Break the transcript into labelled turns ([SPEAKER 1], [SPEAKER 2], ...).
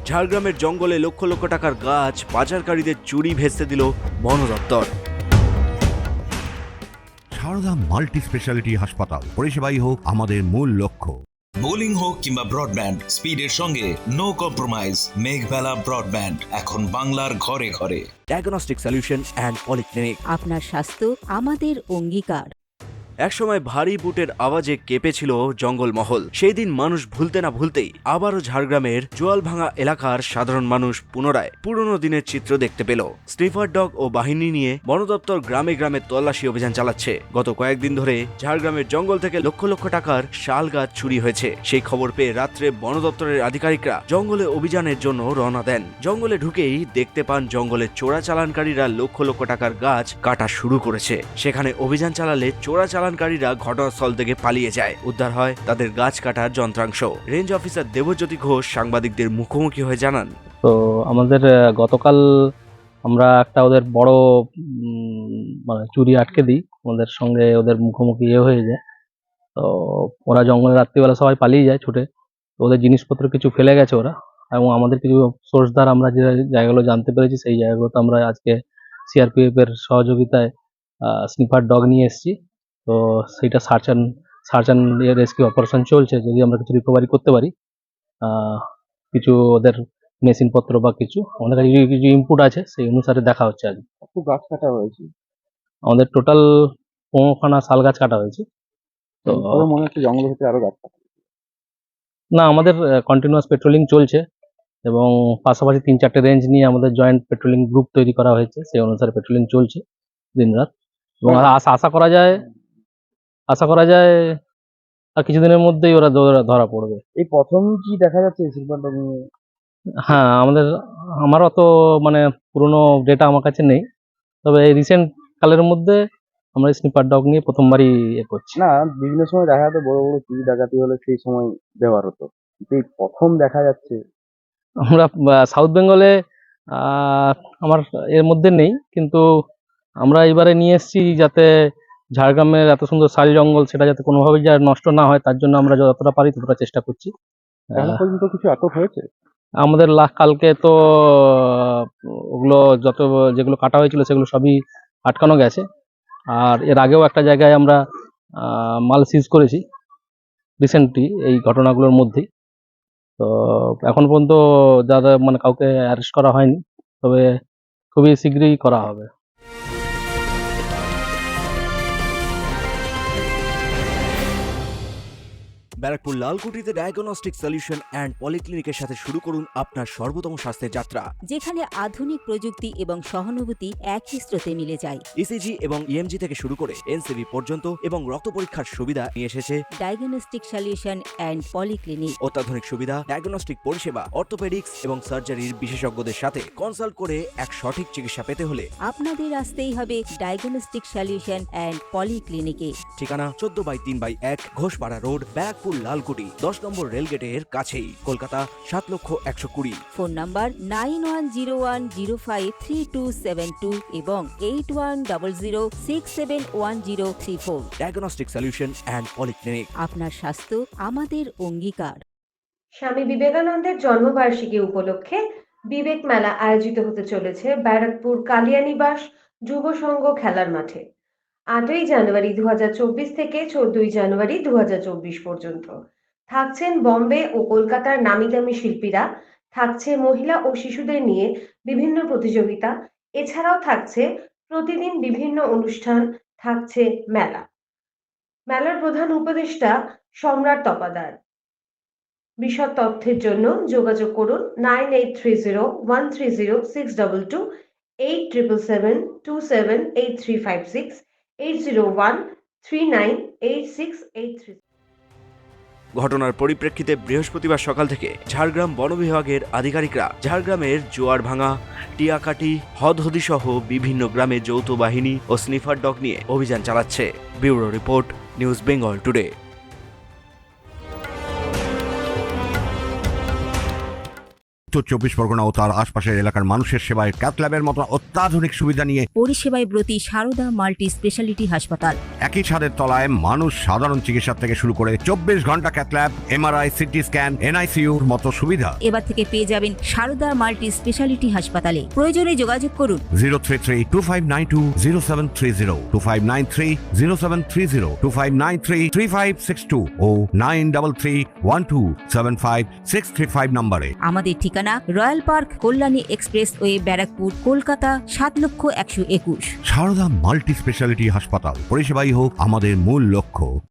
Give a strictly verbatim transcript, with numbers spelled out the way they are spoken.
[SPEAKER 1] ঝাড়গ্রামের জঙ্গলে লক্ষ লক্ষ টাকার গাছ পাচারকারীদের চুরি ভেস্তে দিল বন দপ্তর।
[SPEAKER 2] সারদা মাল্টি স্পেশালিটি হাসপাতাল, পরিষেবাই হোক আমাদের মূল লক্ষ্য।
[SPEAKER 3] বোলিং হোক কিংবা ব্রডব্যান্ড, স্পিডের সঙ্গে নো কম্প্রোমাইজ। মেঘবেলা ব্রডব্যান্ড এখন বাংলার ঘরে ঘরে।
[SPEAKER 1] Diagnostic solution and polyclinic.
[SPEAKER 4] আপনার স্বাস্থ্য আমাদের অঙ্গীকার।
[SPEAKER 1] একসময় ভারী বুটের আওয়াজে কেঁপেছিল জঙ্গলমহল। সেই দিন মানুষ ভুলতে না ভুলতেই আবারও ঝাড়গ্রামের জোয়ালভাঙা এলাকার সাধারণ মানুষ পুনরায় পুরনো দিনের চিত্র দেখতে পেল। স্নিফার ডগ ও বাহিনী নিয়ে বন দপ্তর গ্রামে গ্রামে তল্লাশি অভিযান চালাচ্ছে। গত কয়েকদিন ধরে ঝাড়গ্রামের জঙ্গল থেকে লক্ষ লক্ষ টাকার শাল গাছ চুরি হয়েছে। সেই খবর পেয়ে রাত্রে বন দপ্তরের আধিকারিকরা জঙ্গলে অভিযানের জন্য রওনা দেন। জঙ্গলে ঢুকেই দেখতে পান জঙ্গলে চোরাচালানকারীরা লক্ষ লক্ষ টাকার গাছ কাটা শুরু করেছে। সেখানে অভিযান চালালে চোরাচালান কারীরা ঘটনাস্থল থেকে পালিয়ে যায়। উদ্ধার হয় তাদের গাছ কাটার যন্ত্রাংশ। রেঞ্জ অফিসার দেবজ্যোতি ঘোষ সাংবাদিকদের মুখোমুখি হয়ে জানান,
[SPEAKER 5] তো আমাদের গতকাল আমরা একটা ওদের বড় মানে চুরি আটকে দিই, আমাদের সঙ্গে ওদের মুখোমুখি ইয়ে হয়ে যায়। তো ওরা জঙ্গলে রাত্রিবেলা সবাই পালিয়ে যায় ছুটে। ওদের জিনিসপত্র কিছু ফেলে গেছে ওরা, এবং আমাদের কিছু সোর্স দ্বারা আমরা যে জায়গাগুলো জানতে পেরেছি সেই জায়গাগুলোতে আমরা আজকে সিআরপিএফ এর সহযোগিতায় স্নিফার ডগ নিয়ে এসেছি। তো সেইটা search and search and rescue operation চলছে। যদি আমরা কিছু রিকভারি করতে পারি, কিছু ওদের মেশিনপত্র বা কিছু আমাদের কাছে কিছু ইনপুট আছে, সেই অনুসারে দেখা হচ্ছে। আজ
[SPEAKER 6] কত গাছ কাটা হয়েছে?
[SPEAKER 5] আমাদের টোটাল পনেরোখানা শাল গাছ কাটা হয়েছে। তো
[SPEAKER 6] মনে হচ্ছে জঙ্গলের ভিতরে আরো গাছ কাটা।
[SPEAKER 5] না, আমাদের কন্টিনিউয়াস পেট্রোলিং চলছে এবং পাশাপাশি তিন চারটে রেঞ্জ নিয়ে আমাদের জয়েন্ট পেট্রোলিং গ্রুপ তৈরি করা হয়েছে। সেই অনুসারে পেট্রোলিং চলছে দিনরাত, এবং আশা আশা করা যায় আশা করা যায় আর কিছুদিনের মধ্যেই ওরা ধরা পড়বে।
[SPEAKER 6] এই প্রথম কি দেখা যাচ্ছে সিলভারটা নিয়ে?
[SPEAKER 5] হ্যাঁ, আমাদের আমার অত মানে পুরনো ডেটা আমার কাছে নেই, তবে এই রিসেন্ট কালের মধ্যে আমরা স্নিপার ডগ নিয়ে প্রথমবারই এ করছি।
[SPEAKER 6] না, বিভিন্ন সময় দেখা যেত বড় বড় চুরি ডাকাতি হলে সেই সময় ব্যবহার হতো, কিন্তু এই প্রথম দেখা যাচ্ছে।
[SPEAKER 5] আমরা সাউথ বেঙ্গলে আমার এর মধ্যে নেই, কিন্তু আমরা এবারে নিয়ে এসেছি যাতে ঝাড়গ্রামের এত সুন্দর শাল জঙ্গল সেটা যাতে কোনোভাবেই যা নষ্ট না হয়, তার জন্য আমরা যতটা পারি ততটা চেষ্টা করছি।
[SPEAKER 6] এখন পর্যন্ত কিছু আটক হয়েছে
[SPEAKER 5] আমাদের লাখ কালকে তো ওগুলো যত যেগুলো কাটা হয়েছিল সেগুলো সবই আটকানো গেছে। আর এর আগেও একটা জায়গায় আমরা মাল সিজ করেছি রিসেন্টলি এই ঘটনাগুলোর মধ্যেই। তো এখন পর্যন্ত যারা মানে কাউকে অ্যারেস্ট করা হয়নি, তবে খুবই শীঘ্রই করা হবে।
[SPEAKER 1] ব্যারাকপুর লালকুটিতে ডায়াগনস্টিক সলিউশন অ্যান্ড পলিক্লিনিকের সাথে শুরু করুন আপনার সর্বোত্তম স্বাস্থ্যের যাত্রা,
[SPEAKER 4] যেখানে আধুনিক প্রযুক্তি এবং সহানুভূতি একই স্রোতে মিলে যায়।
[SPEAKER 1] ইসিজি এবং ইএমজি থেকে শুরু করে এনসিবি পর্যন্ত এবং রক্ত পরীক্ষার সুবিধা নিয়ে এসেছে
[SPEAKER 4] ডায়াগনস্টিক সলিউশন অ্যান্ড পলিক্লিনিক।
[SPEAKER 1] অত্যাধুনিক সুবিধা, ডায়াগনস্টিক পরিষেবা, অর্থোপেডিক্স এবং সার্জারির বিশেষজ্ঞদের সাথে কনসাল্ট করে এক সঠিক চিকিৎসা পেতে হলে
[SPEAKER 4] আপনাদের আসতেই হবে ডায়াগনস্টিক সলিউশন অ্যান্ড পলিক্লিনিকে।
[SPEAKER 1] ঠিকানা চোদ্দ বাই তিন বাই এক ঘোষপাড়া রোড, ব্যারাকপুর লালকুটি, দশ নম্বর রেলগেটের কাছেই, কলকাতা সাত লক্ষ একশো কুড়ি।
[SPEAKER 4] Phone number nine one zero one zero five three two seven two এবং eight one double zero six seven one zero three four.
[SPEAKER 1] Diagnostic solution and polyclinic.
[SPEAKER 4] আপনার স্বাস্থ্য আমাদের অঙ্গীকার।
[SPEAKER 7] স্বামী বিবেকানন্দের জন্মবার্ষিকী উপলক্ষে বিবেক মেলা আয়োজিত হতে চলেছে ব্যারাকপুর কালিয়ানিবাস যুব সংঘ খেলার মাঠে আটই জানুয়ারি দু হাজার চব্বিশ থেকে চোদ্দই জানুয়ারি দু হাজার চব্বিশ পর্যন্ত। থাকছেন বম্বে ও কলকাতার নামি দামি শিল্পীরা, থাকছে মহিলা ও শিশুদের নিয়ে বিভিন্ন প্রতিযোগিতা, এছাড়াও থাকছে প্রতিদিন বিভিন্ন অনুষ্ঠান, থাকছে মেলা। মেলার প্রধান উপদেষ্টা সম্রাট তপাদার। বিশদ তথ্যের জন্য যোগাযোগ করুন nine eight three zero one three zero six double two, eight triple seven two seven eight three five six, eight zero one three nine eight six eight three.
[SPEAKER 1] ঘটনার পরিপ্রেক্ষিতে বৃহস্পতিবার সকাল থেকে ঝাড়গ্রাম বন বিভাগের আধিকারিকরা ঝাড়গ্রামের জোয়ারভাঙা, টিয়াকাটি, হদহদি সহ বিভিন্ন গ্রামে যৌথ বাহিনী ও স্নিফার ডগ নিয়ে অভিযান চালাচ্ছে। Bureau report, news Bengal today.
[SPEAKER 2] উত্তর চব্বিশ পরগনা ও তার আশপাশের এলাকার মানুষের সেবায় ক্যাথ ল্যাবের মতো অত্যাধুনিক সুবিধা নিয়ে
[SPEAKER 4] পরিষেবায় ব্রতী সারদা মাল্টি স্পেশালিটি হাসপাতাল।
[SPEAKER 2] একই ছাদের তলায় মানুষ সাধারণ চিকিৎসা থেকে শুরু করে চব্বিশ ঘন্টা cath lab, MRI, CT scan, এনআইসিইউর মতো সুবিধা।
[SPEAKER 4] এবার থেকে পেয়ে যাবেন সারদা মাল্টি স্পেশালিটি হাসপাতালে। প্রয়োজনে যোগাযোগ করুন
[SPEAKER 2] zero three three two five nine two zero seven three zero two five nine three zero seven three zero two five nine three three five six two ও nine double three one two seven five six three five নম্বরে।
[SPEAKER 4] আমাদের ঠিকানা royal park, Kalyani expressway, Barrackpore, Kolkata সাত লক্ষ একশো একুশ।
[SPEAKER 2] Sarada multi speciality হাসপাতাল, পরিষেবাই হোক আমাদের মূল লক্ষ্য।